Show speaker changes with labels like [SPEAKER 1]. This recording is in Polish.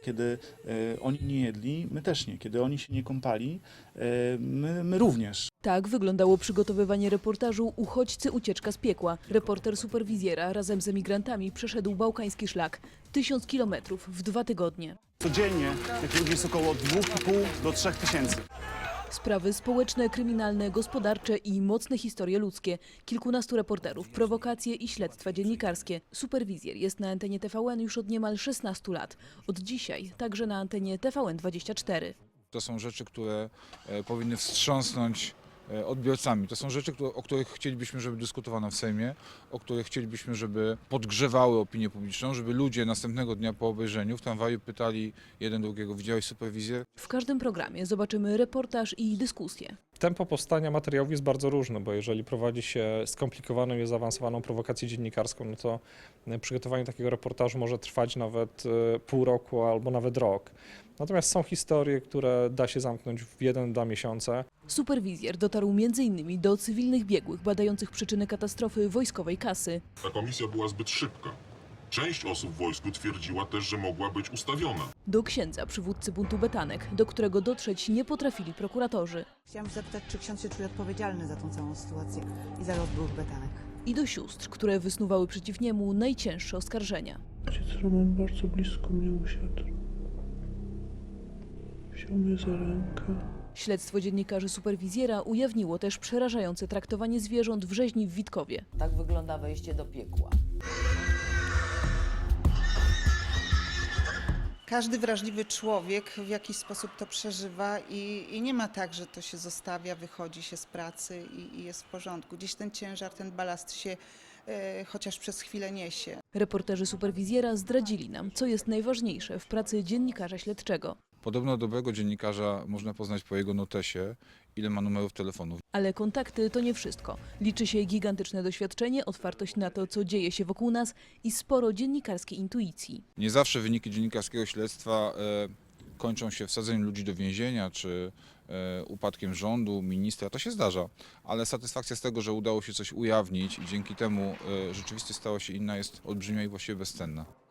[SPEAKER 1] Kiedy oni nie jedli, my też nie. Kiedy oni się nie kąpali, my również.
[SPEAKER 2] Tak wyglądało przygotowywanie reportażu "Uchodźcy, ucieczka z piekła". Reporter Superwizjera razem z emigrantami przeszedł bałkański szlak. 1000 kilometrów w 2 tygodnie.
[SPEAKER 3] Codziennie tych ludzi jest około 2,5 do 3 tysięcy.
[SPEAKER 2] Sprawy społeczne, kryminalne, gospodarcze i mocne historie ludzkie. Kilkunastu reporterów, prowokacje i śledztwa dziennikarskie. Superwizjer jest na antenie TVN już od niemal 16 lat. Od dzisiaj także na antenie TVN24.
[SPEAKER 4] To są rzeczy, które powinny wstrząsnąć odbiorcami. To są rzeczy, o których chcielibyśmy, żeby dyskutowano w Sejmie, o których chcielibyśmy, żeby podgrzewały opinię publiczną, żeby ludzie następnego dnia po obejrzeniu w tramwaju pytali jeden drugiego: widziałeś Superwizjer?
[SPEAKER 2] W każdym programie zobaczymy reportaż i dyskusję.
[SPEAKER 5] Tempo powstania materiałów jest bardzo różne, bo jeżeli prowadzi się skomplikowaną i zaawansowaną prowokację dziennikarską, no to przygotowanie takiego reportażu może trwać nawet pół roku albo nawet rok. Natomiast są historie, które da się zamknąć w 1-2 miesiące.
[SPEAKER 2] Superwizjer dotarł m.in. do cywilnych biegłych badających przyczyny katastrofy wojskowej kasy.
[SPEAKER 6] Ta komisja była zbyt szybka. Część osób w wojsku twierdziła też, że mogła być ustawiona.
[SPEAKER 2] Do księdza przywódcy buntu Betanek, do którego dotrzeć nie potrafili prokuratorzy.
[SPEAKER 7] Chciałam zapytać, czy ksiądz się czuje odpowiedzialny za tą całą sytuację i za los byłych Betanek.
[SPEAKER 2] I do sióstr, które wysnuwały przeciw niemu najcięższe oskarżenia.
[SPEAKER 8] Ojciec Roman bardzo blisko mnie usiadł. Wziął mnie za rękę.
[SPEAKER 2] Śledztwo dziennikarzy Superwizjera ujawniło też przerażające traktowanie zwierząt w rzeźni w Witkowie.
[SPEAKER 9] Tak wygląda wejście do piekła.
[SPEAKER 7] Każdy wrażliwy człowiek w jakiś sposób to przeżywa i nie ma tak, że to się zostawia, wychodzi się z pracy i jest w porządku. Gdzieś ten ciężar, ten balast się chociaż przez chwilę niesie.
[SPEAKER 2] Reporterzy Superwizjera zdradzili nam, co jest najważniejsze w pracy dziennikarza śledczego.
[SPEAKER 4] Podobno dobrego dziennikarza można poznać po jego notesie, ile ma numerów telefonów.
[SPEAKER 2] Ale kontakty to nie wszystko. Liczy się gigantyczne doświadczenie, otwartość na to, co dzieje się wokół nas i sporo dziennikarskiej intuicji.
[SPEAKER 4] Nie zawsze wyniki dziennikarskiego śledztwa kończą się wsadzeniem ludzi do więzienia czy upadkiem rządu, ministra. To się zdarza, ale satysfakcja z tego, że udało się coś ujawnić i dzięki temu rzeczywistość stała się inna, jest olbrzymia i właściwie bezcenna.